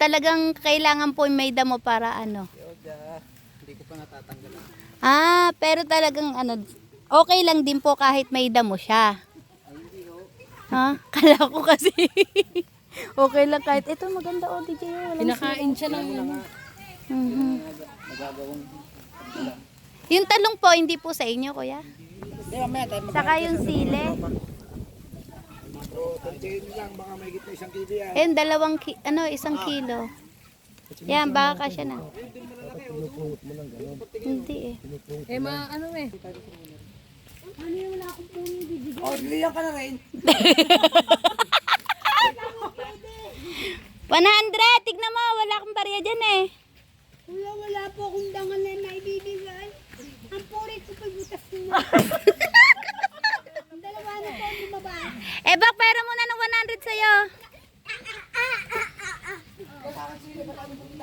talagang kailangan po may damo para ano. Hindi ko pa natatanggalan. Ah, pero talagang ano, okay lang din po kahit may damo siya. Ha? Kala ko kasi. Okay lang kahit ito maganda o DJ. Pinakain siya ng ano. Nagagawang Yung talong po hindi po sa inyo, kuya. mamaya tayo Saka yung sile. lang, baka may gitna isang kilo yan. Ayun, isang kilo. Yan, baka kasya na. Hindi eh. Eh, ano eh. Oh, liyan ka na rin. 100! Tignan mo, wala akong barya dyan eh. Kuya, wala po akong dangal na naibibigay. Ang puri ko pa butas mo. Ang dalawa na po ang lumabas. Eh, bak, pera muna ng 100 sa'yo.